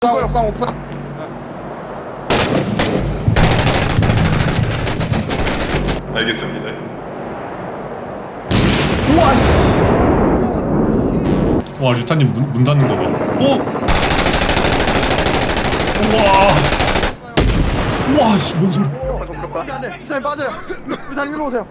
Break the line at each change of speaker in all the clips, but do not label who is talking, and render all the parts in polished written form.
옥상.
알겠습니다.
우와 씨. 와 류타님 문 닫는 거 봐. 오. 우와. 우와 씨 뭔 소리?
안돼. 일단 빠져요. 일단 일로 오세요.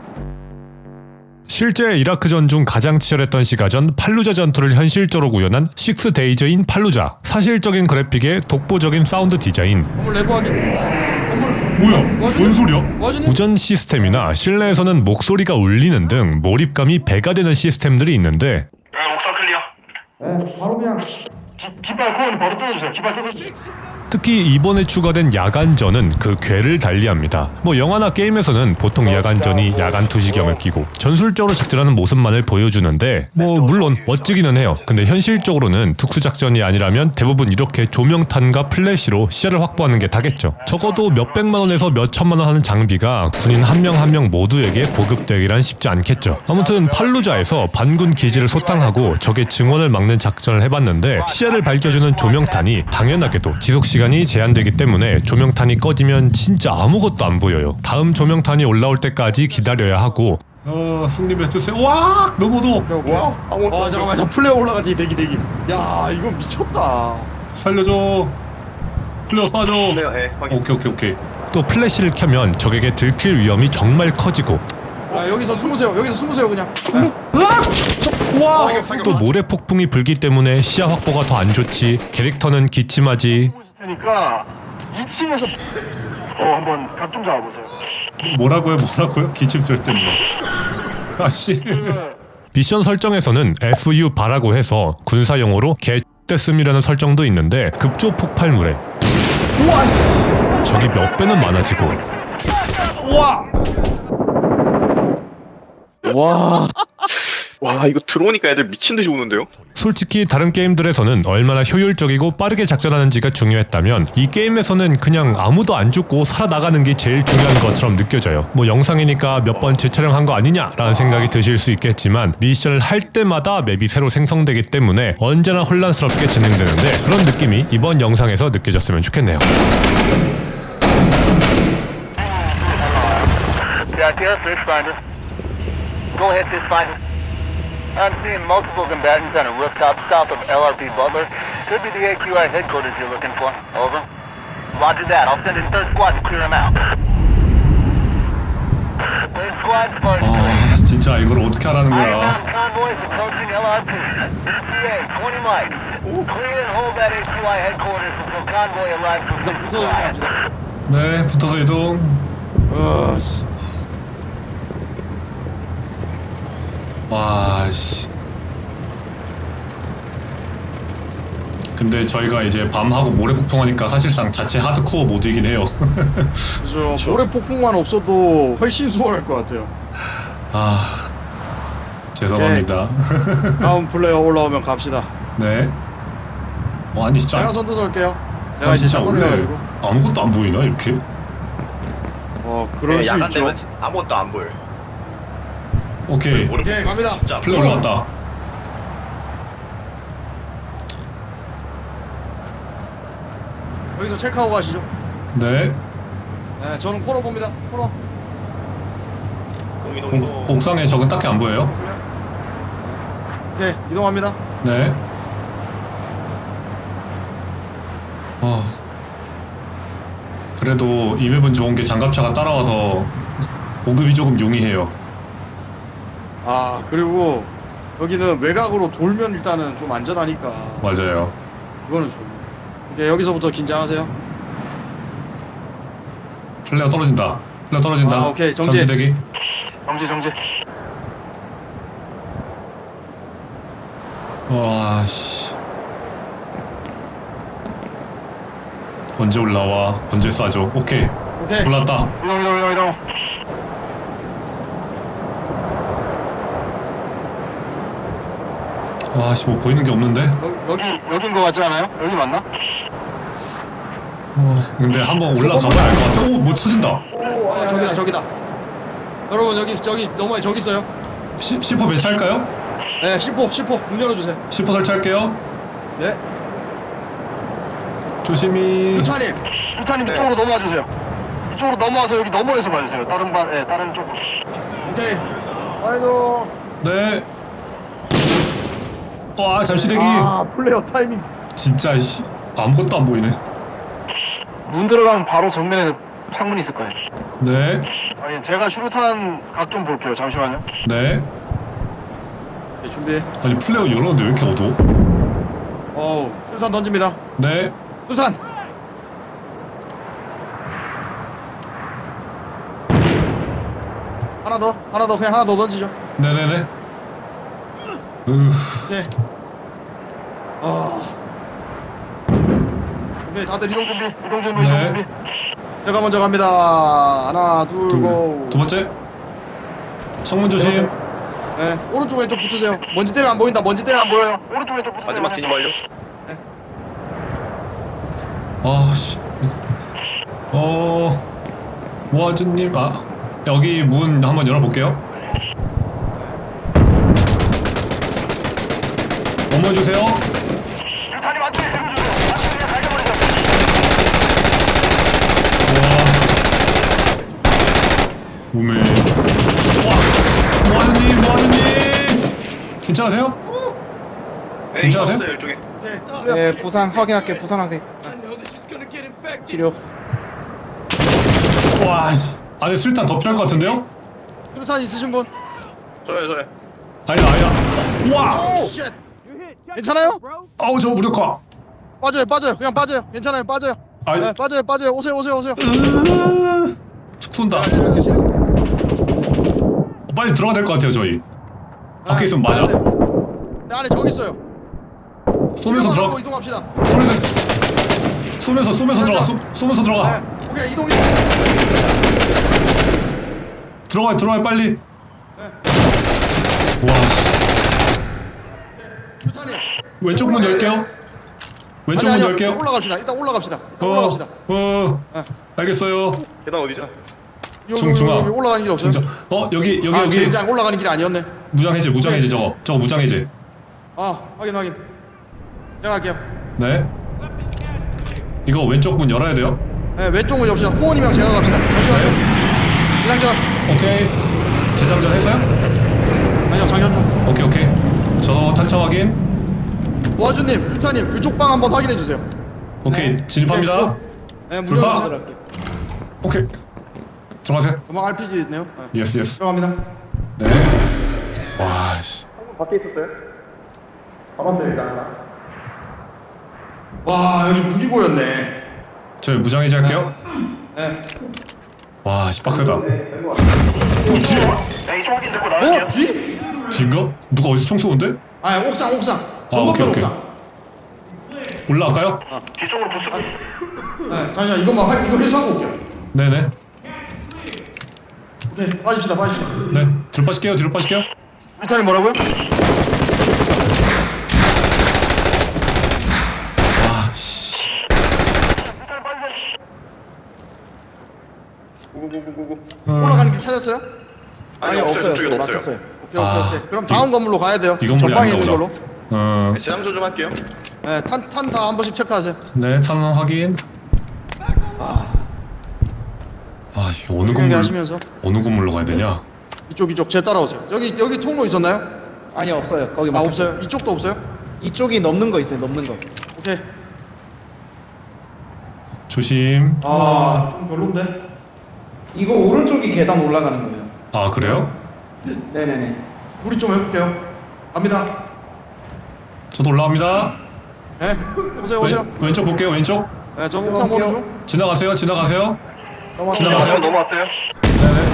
실제 이라크전 중 가장 치열했던 시가전 팔루자 전투를 현실적으로 구현한 6데이즈인 팔루자. 사실적인 그래픽에 독보적인 사운드 디자인.
건물 내부 확인.
뭐야? 뭔 소리야?
뭐하시니?
무전 시스템이나 실내에서는 목소리가 울리는 등 몰입감이 배가 되는 시스템들이 있는데
옥상 클리어.
네, 바로 그냥
깃발 코어는 바로 뜯어주세요. 깃발 뜯어주세요.
특히 이번에 추가된 야간전은 그 궤를 달리합니다. 뭐 영화나 게임에서는 보통 야간전이 야간 투시경을 끼고 전술적으로 작전하는 모습만을 보여주는데 뭐 물론 멋지기는 해요. 근데 현실적으로는 특수작전이 아니라면 대부분 이렇게 조명탄과 플래시로 시야를 확보하는 게 다겠죠. 적어도 몇백만 원에서 몇천만 원 하는 장비가 군인 한 명 한 명 모두에게 보급되기란 쉽지 않겠죠. 아무튼 팔루자에서 반군 기지를 소탕하고 적의 증원을 막는 작전을 해봤는데 시야를 밝혀주는 조명탄이 당연하게도 지속시간이 제한되기 때문에 조명탄이 꺼지면 진짜 아무것도 안 보여요. 다음 조명탄이 올라올 때까지 기다려야 하고 승리해주세요. 와 너무 어두워.
와 잠깐만 저 플레어 올라가지 대기. 야 이거 미쳤다.
살려줘. 플레어 쏴줘.
클리어 해. 확인.
오케이. 또 플래시를 켜면 적에게 들킬 위험이 정말 커지고
아 여기서 숨으세요. 그냥.
와! 또 모래 폭풍이 불기 때문에 시야 확보가 더 안 좋지. 캐릭터는 기침하지.
그러니까 2층에서 한번 각 좀 잡아보세요.
뭐라고요? 기침 쓸 때문에. 아씨. 미션 설정에서는 FU 바라고 해서 군사용어로 개떼씀이라는 설정도 있는데 급조 폭발물에 우와 씨. 적이 몇 배는 많아지고 우와.
와 이거 들어오니까 애들 미친 듯이 오는데요?
솔직히 다른 게임들에서는 얼마나 효율적이고 빠르게 작전하는지가 중요했다면 이 게임에서는 그냥 아무도 안 죽고 살아나가는 게 제일 중요한 것처럼 느껴져요. 뭐 영상이니까 몇 번 재촬영한 거 아니냐라는 생각이 드실 수 있겠지만 미션을 할 때마다 맵이 새로 생성되기 때문에 언제나 혼란스럽게 진행되는데 그런 느낌이 이번 영상에서 느껴졌으면 좋겠네요.
Go ahead, Fishfinder. I'm seeing multiple combatants on a rooftop south of LRP Butler. Could be the AQI headquarters you're looking for. Over. Roger that. I'll send in third squad to clear them out. Third squad, Spartan.
아 진짜 이걸 어떻게 하라는
Iron
거야.
Mountain convoys approaching LRP. ETA, 20 mics. Clear and hold that AQI headquarters until convoy arrives from
일단
Sixth
붙어서
Squad.
갑시다.
네 붙어서 이동.
씨.
와씨. 근데 저희가 이제 밤하고 모래 폭풍하니까 사실상 자체 하드코어 모드이긴 해요.
그죠. 모래 폭풍만 없어도 훨씬 수월할 것 같아요.
아 죄송합니다.
다음 플레이어 올라오면 갑시다.
네. 아니 진짜.
제가 선두 설게요. 제가
아
이제
진짜 원래
샷건이라가지고.
아무것도 안 보이나 이렇게?
그럴 수
야간
있죠.
되면 아무것도 안 보여.
오케이.
오케이 갑니다.
진짜.
플레이 올라왔다.
여기서 체크하고 가시죠.
네.
네, 저는 코너 봅니다. 코너.
옥상에 적은 딱히 안 보여요?
오케이 이동합니다.
네. 그래도 이 맵은 좋은 게 장갑차가 따라와서 보급이 조금 용이해요.
그리고 여기는 외곽으로 돌면 일단은 좀 안전하니까
맞아요.
그거는 좋네. 오케이 여기서부터 긴장하세요.
플레어 떨어진다.
오케이, 정지.
전투대기.
정지.
와 씨. 언제 올라와? 언제 쏴줘? 오케이. 올랐다.
이동.
와 씨 뭐 보이는 게 없는데?
여긴 거 같지 않아요? 여기 맞나?
근데 한번 올라가봐야 알 것 같아. 오 뭐 터진다.
저기다. 여러분 저기 너머에 저기 있어요.
C4 배치할까요?
네, 10호 문 열어주세요.
C4 설치할게요.
네.
조심히.
루타님
네.
이쪽으로 넘어와 주세요. 이쪽으로 넘어와서 여기 너머에서 봐주세요. 다른 반, 예, 다른 쪽으로. 오케이. 아이고.
네. 와 잠시 대기.
아, 플레이어 타이밍.
진짜 씨 아무것도 안 보이네.
문 들어가면 바로 정면에 창문이 있을 거예요.
네.
아니, 제가 슈루탄 각 좀 볼게요. 잠시만요.
네.
네, 준비.
아니 플레이어 열었는데 왜 이렇게 어두워?
어우, 슈루탄 던집니다.
네.
슈루탄. 하나 더, 그냥 하나 더 던지죠.
네네네.
네. 오케이, 다들 이동 준비.
네.
제가 먼저 갑니다. 하나, 둘, 고.
두 번째. 창문 조심.
네, 오른쪽 왼쪽 붙으세요. 먼지 때문에 안 보인다. 먼지 때문에 안 보여요. 오른쪽 왼쪽 붙으세요.
마지막 진입 완료.
아씨. 모아주님 여기 문 한번 열어볼게요. 넘어주세요.
유탄이 안쪽에 세워주세요. 안쪽에 갈겨버리세요.
우메. 모아주님. 괜찮으세요?
네,
괜찮으세요?
있어요, 이쪽에.
오케이.
네, 부상 확인할게. 부상 확인. 치료.
와, 씨. 안에 술탄 더 필요할 것 같은데요?
유탄 있으신 분?
저요.
아니다. 와!
오, 쉣. 괜찮아요?
아우, 저 무력화.
빠져요. 그냥 빠져요. 괜찮아요. 빠져요.
아이.
네, 빠져요. 오세요.
촉 쏜다. 빨리 들어가야 될 것 같아요, 저희. 밖에 있으면 맞아.
네, 안에 저기 있어요.
쏘면서 들어가.
이동합시다.
쏘면서 들어가. 쏘면서 들어가.
네, 오케이, 이동.
들어가요, 빨리. 와, 씨.
유탄이.
왼쪽 문 열게요. 왼쪽 문 열게요.
올라갑시다. 일단 올라갑시다.
알겠어요.
계단 어디죠?
중앙.
여기 올라가는 길 없어요?
진짜. 여기.
젠장 올라가는 길이 아니었네.
무장해제 저거 무장해제.
확인. 제가 할게요.
네. 이거 왼쪽 문 열어야 돼요.
네, 왼쪽 문 엽시다. 호원님이랑 제가 갑시다. 잠시만요. 장전.
오케이. 재장전 했어요?
아니요, 장전 중.
오케이. 저 탄창 확인.
모아주님, 유타님, 그쪽 방 한번 확인해 주세요.
오케이. 진입합니다.
네, 문
불파.
열어주세요.
오케이. 들어가세요.
도망 RPG 있네요. 네.
예스.
들어갑니다.
네. 와, 씨.
와, 여기 무기 보였네.
저 무장해제 할게요.
네.
와, 씨 빡세다.
네, 이쪽 확인 듣고
뒤?
뒤인가? 누가 어디서 총 쏘는데?
옥상.
오케이.
옥상.
올라갈까요?
뒤쪽으로 부스고.
네, 잠시만, 이거 회수하고 올게요.
네네.
오케이, 빠집시다.
네. 뒤로 빠질게요.
유타님 뭐라고요?
와, 씨.
고고고고고.
올라가는 길 찾았어요?
아니, 없어요. 저쪽에 없어요.
막혔어요.
오케이. 그럼 다음 건물로 가야 돼요.
이 건물이
전방에
아닌가
있는
보다.
걸로.
네, 재장전 좀 할게요.
네, 탄 다 한 번씩 체크하세요.
네, 탄원 확인. 이거 어느 건물로 가야 되냐?
이쪽 제 따라오세요. 여기 통로 있었나요?
아니 없어요. 거기 막혔어요.
없어요. 이쪽도 없어요?
이쪽이 넘는 거 있어요. 넘는 거.
오케이.
조심.
좀 별론데.
이거 오른쪽이 계단 올라가는 거예요.
아, 그래요?
네네네.
우리 좀 해볼게요. 갑니다.
저도 올라갑니다.
네, 오세요.
왼쪽 볼게요. 왼쪽.
네, 저 옥상 보는 중.
지나가세요. 지나가세요.
넘어왔어요.
네네.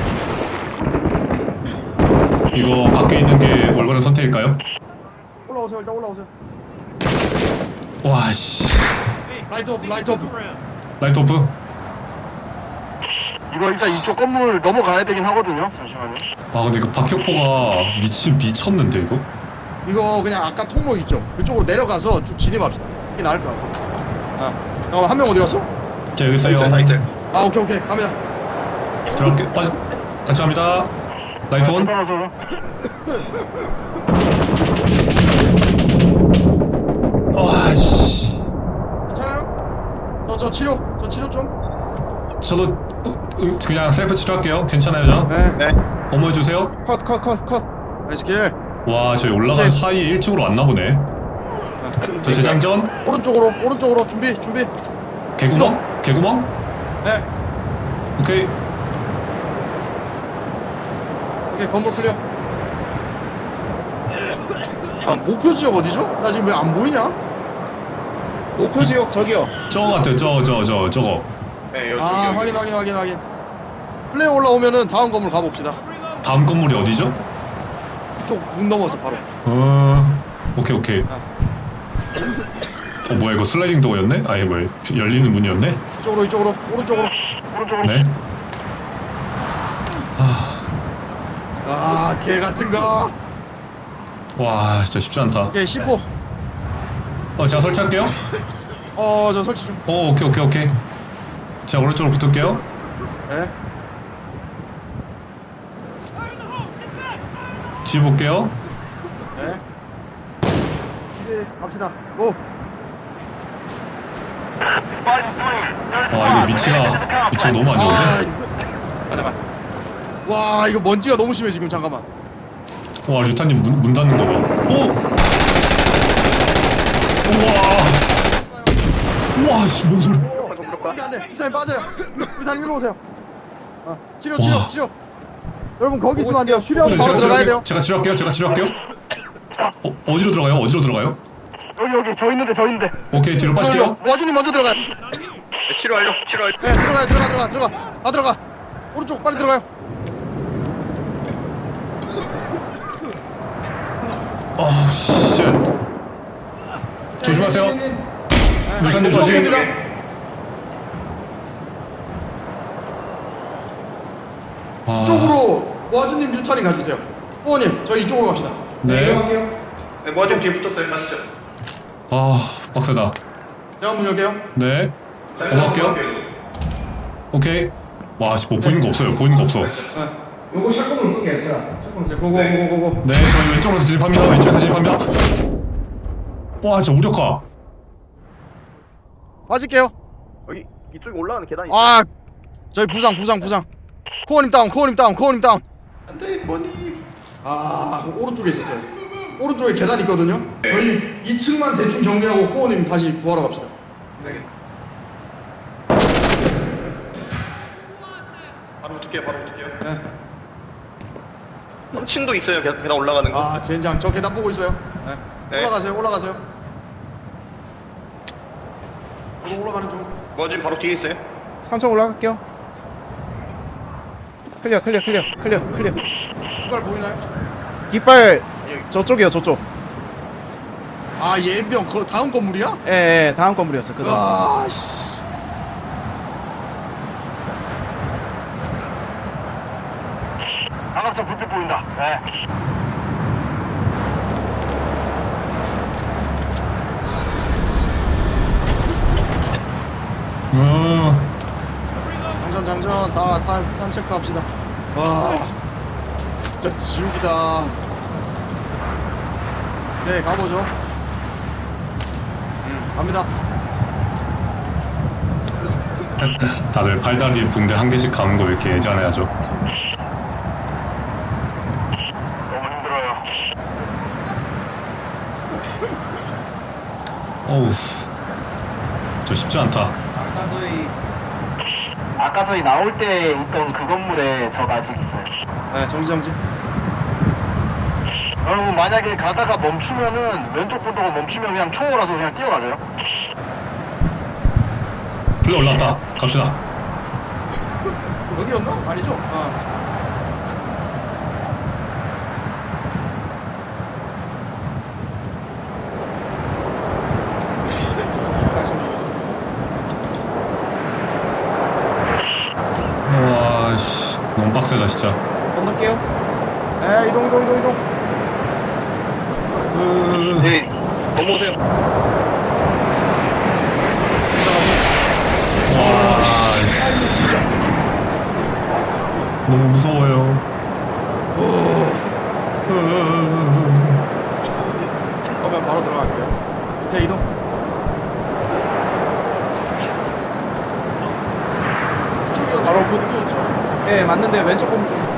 이거 밖에 있는 게 올바른 선택일까요?
올라오세요. 일단 올라오세요.
와, 씨.
라이트 오프.
라이트 오프.
이거 일단 이쪽 건물 넘어가야 되긴 하거든요. 잠시만요.
근데 이거 박격포가 미쳤는데 이거?
이거 그냥 아까 통로 있죠? 그쪽으로 내려가서 쭉 진입합시다. 이게 나을 것 같아. 잠깐만, 한 명 어디 갔어?
자, 여기 있어요.
나이트.
오케이. 갑니다.
들어갈게. 같이 갑니다. 라이트 온.
따라서.
와, 씨.
괜찮아요? 저 치료 좀.
저도 그냥 셀프 치료할게요. 괜찮아요, 저?
네.
어머 해주세요.
컷.
나이스 킬.
와, 저희 올라간 사이에 1층으로 왔나 보네. 저 재장전.
오른쪽으로 준비.
개구멍?
네.
오케이.
오케이, 건물 클리어. 아, 목표 지역 어디죠? 나 지금 왜 안 보이냐?
목표 지역 저기요.
저거 같아요. 저거.
네, 여기.
아, 확인. 플레이 올라오면은 다음 건물 가봅시다.
다음 건물이 어디죠?
이쪽 문 넘어서 바로.
오케이. 뭐야, 이거 슬라이딩 도어였네? 아니, 뭐야, 열리는 문이었네?
이쪽으로. 오른쪽으로.
네.
아, 개 같은 거.
와, 진짜 쉽지 않다.
오케이, C4.
제가 설치할게요.
저 설치 좀.
오케이. 제가 오른쪽으로 붙을게요.
네.
뒤에 볼게요.
네. 이제 갑시다. 고.
와, 이거 위치가 너무 안 좋은데?
잠깐만. 와, 이거 먼지가 너무 심해 지금. 잠깐만.
와, 류타님 문 닫는 거 봐. 우와, 씨, 뭔 소리?
안 돼. 일단 빠져요. 일단 일로 오세요. 치료. 여러분 거기 있으면 안 돼요. 치료하고
네,
바로 들어가야 돼요.
제가 치료할게요. 어디로 들어가요?
여기 저 있는데.
오케이, 뒤로 빠질게요.
와준이 먼저 들어가요.
네, 치료 완료.
네, 들어가요. 다 들어가. 오른쪽 빨리 들어가요.
쉣. 조심하세요. 루사님 조심.
이쪽으로 와준님 뉴타링 가주세요. 호원님 저희 이쪽으로 갑시다.
네.
네, 모아님 뒤에 붙었어요. 가시죠.
빡세다.
제가 문 열게요.
네. 넘어갈게요. 오케이. 와, 씨, 뭐 보이는 거 없어요.
요거 샷건으로 쓰게 괜찮아.
네, 고고.
네, 저희 왼쪽으로 진입합니다. 왼쪽에서 진입합니다. 와, 진짜 우력화.
빠질게요.
여기 이쪽에 올라가는 계단이.
아, 저희 부상. 코어님 다운.
안돼, 뭐니?
아, 오른쪽에 있었어요. 오른쪽에 계단 있거든요. 저희 2층만 대충 정리하고 코어님 다시 구하러 갑시다.
네. 바로 붙을게요.
네.
층도 있어요. 계단 올라가는 거.
아, 젠장. 저 계단 보고 있어요. 네.
네.
올라가세요. 저도 올라가는 중.
모아님 바로 뒤에 있어요.
3층 올라갈게요. 클리어.
깃발 보이나요?
깃발 저쪽이요. 저쪽.
아, 예병 그 다음 건물이야?
예, 다음 건물이었어. 그다음.
아, 씨.
방학차 불빛 보인다. 네.
장전 다 체크합시다. 와, 진짜 지옥이다. 네, 가보죠. 갑니다.
다들 팔다리에 붕대 한 개씩 감은 거 왜 이렇게 애잔해하죠?
너무 힘들어요.
어우, 저 쉽지 않다.
아까 저희 나올 때 있던 그 건물에 적 아직 있어요.
네, 정지. 여러분 만약에 가다가 멈추면은 왼쪽 보도가 멈추면 그냥 초월해서 그냥 뛰어가세요.
플레이 올라왔다. 갑시다.
여기였나? 아니죠?
와, 씨, 너무 빡세다 진짜.
건널게요.
네, 이동.
네, 넘어오세요.
와, 씨. 너무 무서워요.
그러면 바로 들어갈게요. 오케이, 이동.
바로 그,
여기였죠.
예, 맞는데 왼쪽 보면 좀.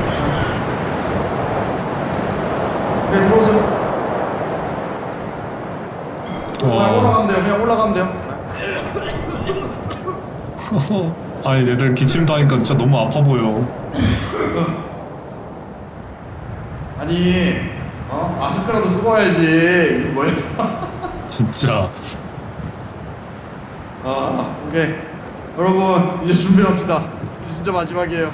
네, 들어오세요. 그냥
와.
올라가면 돼요. 그냥 올라가면 돼요.
아니 얘들 기침도 하니까 진짜 너무 아파 보여.
아니, 마스크라도 쓰고 와야지. 이게 뭐야?
진짜.
오케이. 여러분, 이제 준비합시다. 이제 진짜 마지막이에요.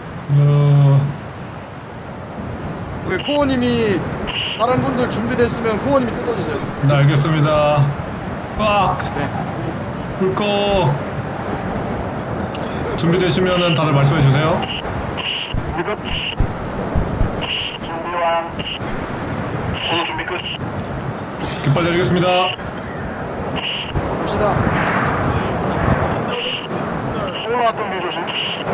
우리 코어님이 다른 분들 준비됐으면 코어님이 뜯어주세요.
네 알겠습니다. 꽉
네.
불 꺼. 준비되시면은 다들 말씀해 주세요.
우리 끝.
준비 완. 오늘 준비 끝.
깃발 내리겠습니다.
갑시다.
올라왔던 길 조심.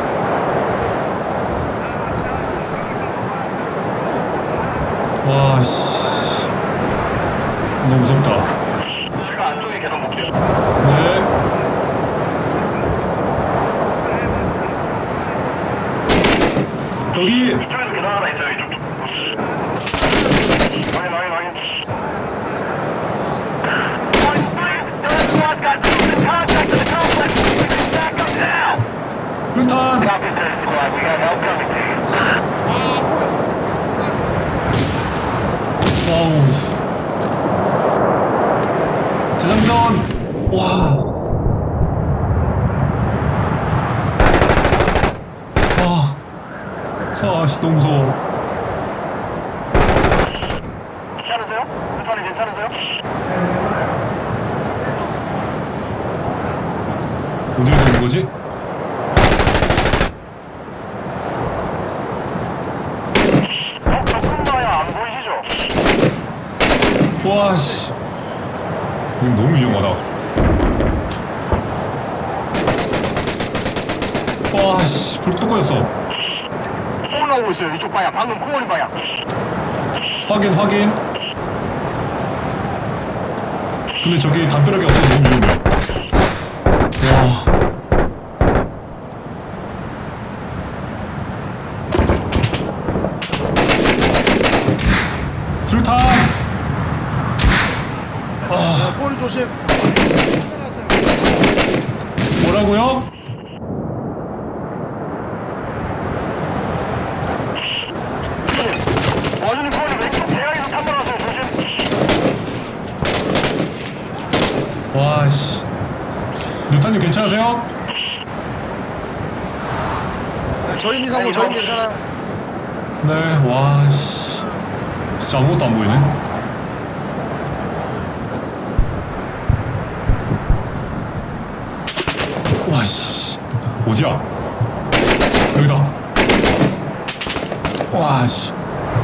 와 씨. 너무 무섭다.
제가 안쪽에 계단 볼게요.
네. 여기
이쪽에도 계단 하나 있어요. 이쪽도. 확인.
Point 3, third squad got troops in contact with the complex. We can stack up now.
불탄.
Copy, third squad. We got help coming to you.
와우. 재장전. 와. 와. 씨 너무 무서워.
괜찮으세요? 루타님 괜찮으세요?
어디에서 오는 거지?
조금 봐야 안 보이시죠?
와 씨. 이건 너무 위험하다. 와 씨. 불 또 꺼졌어.
올라오고 있어요. 이쪽 방향. 방금 코어리 방향.
확인. 근데 저기 담벼락이 없어서 너무 위험해. 와. 술탄.
코어님 조심.
뭐라고요?
와주님 코어리 왼쪽 대각에서 탐방하세요. 조심.
와 씨. 루탄님 괜찮으세요?
네, 저희 이상고 저희 괜찮아요.
네. 와 씨. 진짜 아무것도 안 보이네. 와 씨. 어디야? 여기다. 와 씨.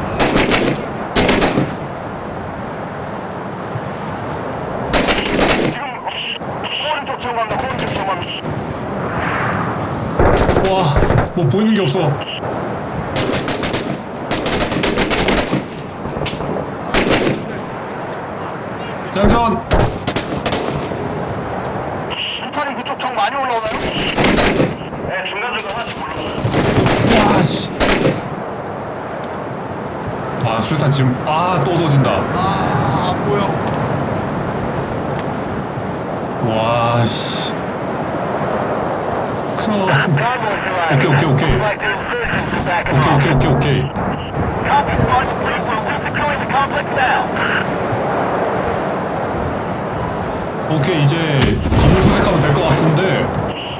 지금 코어리 쪽 정합니다. 코어리 쪽 정합니다.
와. 뭐 보이는 게 없어. 장전.
루타님 그쪽 정 많이 올라오나요? 네, 중간중간 하나씩 올라오요.
와 씨. 아 수류탄 지금 또 얻어진다.
안 보여.
와 씨.
Bravo's alive.
오케이.
Like the insurgents are back in.
오케이.
Copy, squad. We're securing the complex now.
오케이 이제 건물 수색하면 될 것 같은데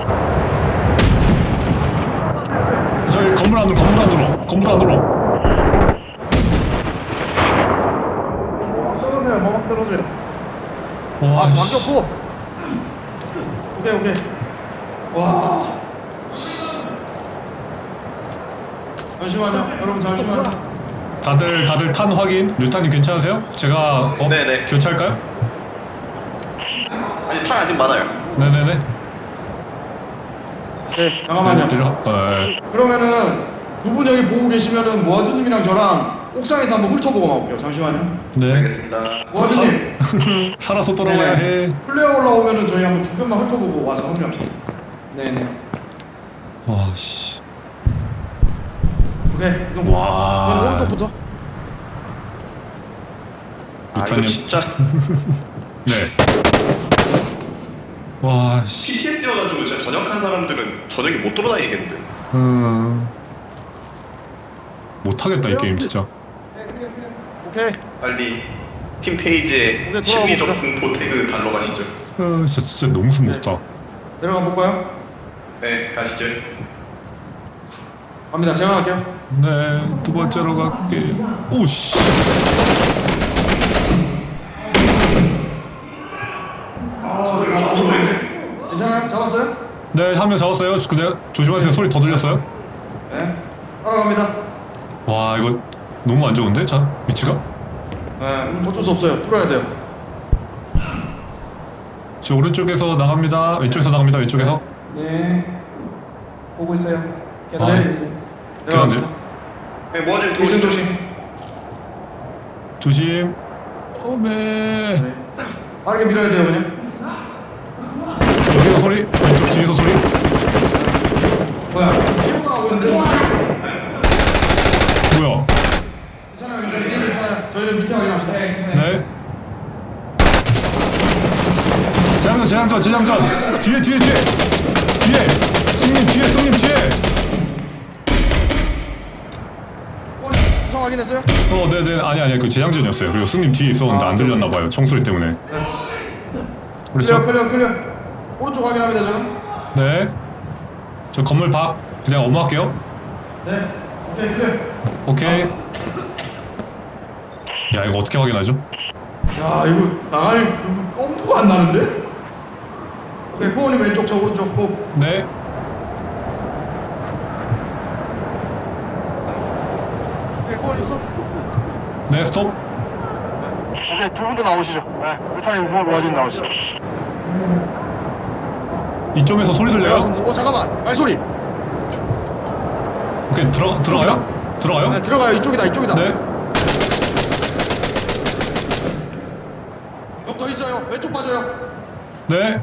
저희 건물 안으로
떨어져요, 뭐막 떨어져요.
와
완전
씨.
코어. 오케이. 와. 잠시만요. 여러분 잠시만요.
다들 탄 확인. 류탄님 괜찮으세요? 제가
네네.
교체할까요?
아니, 탄 아직 많아요.
네네네.
네, 잠깐만요. 그러면은 두 분 여기 보고 계시면은 모아주님이랑 저랑 옥상에서 한번 훑어보고 나올게요. 잠시만요.
네.
알겠습니다.
모아주님,
살아서 돌아와야 해.
플레어 올라오면은 저희 한번 주변만 훑어보고 와서 합류합시다.
네네.
와 씨.
오케이. 이동.
와.
오른쪽부터.
아, 이거
루타님.
진짜
네. 와 씨.
PTSD여가지고 진짜 전역한 사람들은 저녁에 못 돌아다니겠는데.
못하겠다 이 게임 진짜.
오케이.
빨리 팀 페이지에
오케이,
심리적
돌아가봅시다.
공포 태그 달러가시죠.
진짜 너무 숨먹다.
내려가 볼까요?
네, 가시죠.
갑니다. 제가 갈게요.
네, 두 번째로 갈게. 오씨.
괜찮아요? 잡았어요?
네, 한 명 잡았어요. 근데 조심하세요. 소리 더 들렸어요?
네. 따라갑니다.
와, 이거 너무 안 좋은데? 자, 위치가?
네. 어쩔 수 없어요. 뚫어야 돼요.
저 오른쪽에서 나갑니다. 왼쪽에서 나갑니다. 왼쪽에서.
네. 보고 있어요.
아, 네.
있어요.
내려갑니다.
네, 모아질 때
조심
오시죠.
조심.
조심. 어메.
빠르게 밀어야 돼요, 그냥.
여기서 소리. 왼쪽 뒤에서 소리.
뭐야? 뛰어나가고 있는데?
뭐야?
괜찮아요, 괜찮아요. 저희는 밑에 확인합시다.
네. 재장전. 뒤에. 승님 뒤에.
구성 확인했어요?
네네. 아니. 그 재장전이었어요. 그리고 승님 뒤에 있었는데 안 들렸나봐요. 총소리 때문에. 그렇죠?
클리어. 오른쪽 확인합니다, 저는.
네. 저 건물 밖 그냥 업무할게요.
네. 오케이, 클리어.
오케이. 야, 이거 어떻게 확인하죠?
야, 이거 나갈 그 껌프가 안 나는데? 오케이, 코어님 왼쪽, 저 오른쪽, 꼭.
네.
오케이, 코어 있어?
네, 스톱.
오케이, 두 분도 나오시죠. 네, 루타님 코어 와준 나오시죠.
이쪽에서 소리 들려요?
잠깐만, 발소리.
오케이, 들어가요? 들어가요?
네, 들어가요. 이쪽이다.
네.
옆 더 있어요. 왼쪽 빠져요.
네.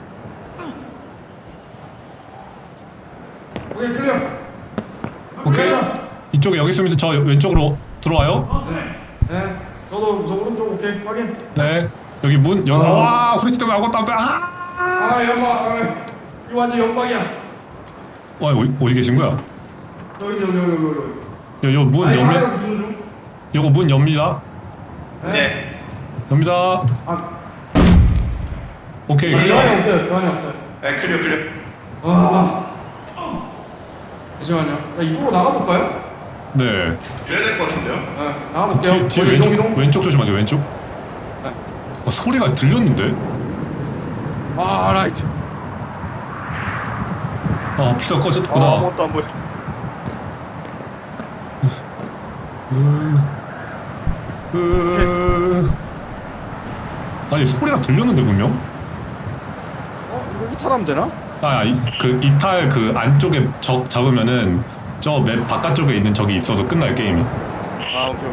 오케이, 클리어.
오케이. 이쪽에 여기 있으면 저 왼쪽으로 들어와요.
네, 저도 저 오른쪽 오케이 확인.
네. 여기 문 열. 와, 후레쉬 때문에 아무것도 안 돼.
연막. 이거 완전 연막이야.
와, 어디 계신 거야?
여기.
요 문
아니,
열면.
하얀 무슨 중?
요거 문 엽니다.
네.
엽니다. 오케이, 클리어.
교환이 없어요.
네, 클리어.
잠시만요. 야, 이쪽으로 나가볼까요?
네.
그래야 될 것 같은데요?
네, 나가볼게요.
뒤에
거기
왼쪽 왼쪽 조심하세요. 왼쪽. 소리가 들렸는데?
라이트.
불사 꺼졌구나.
아무것도 안 보여.
아니, 소리가 들렸는데 분명?
이거 이탈하면 되나?
이탈 그 안쪽에 적 잡으면은 저 맵 바깥쪽에 있는 적이 있어도 끝나요, 게임이.
오케이.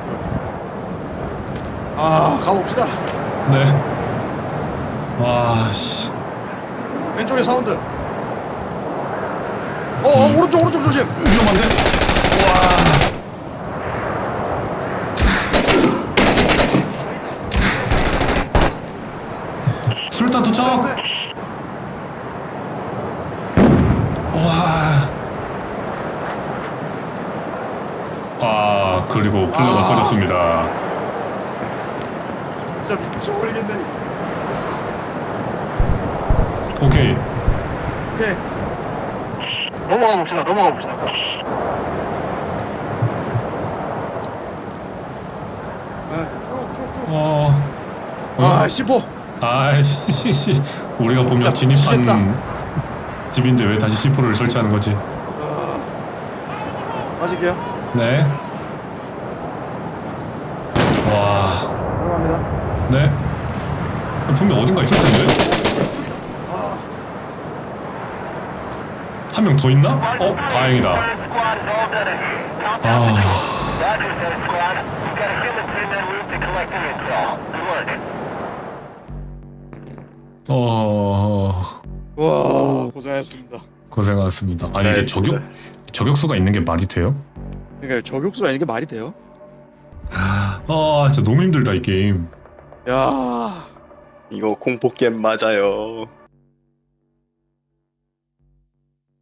가봅시다.
네. 와, 씨.
왼쪽에 사운드. 오른쪽 조심.
위험한데? 술탄 투척! 그리고 플러가 꺼졌습니다.
진짜 미쳐버리겠네.
오케이.
넘어가 봅시다. 쭉. C4.
아이씨, 우리가 분명 진입한
미치겠다.
집인데 왜 다시 C4를 설치하는 거지?
맞을게요.
네. 와.
들어갑니다.
네. 분명 어딘가 있을 텐데. 한 명 더 있나? 다행이다.
와, 고생하셨습니다.
고생하셨습니다. 아니 이게 저격수가 있는 게 말이 돼요?
그러니까 저격수가 있는 게 말이 돼요?
아 진짜 너무 힘들다 이 게임.
야
이거 공포 게임 맞아요.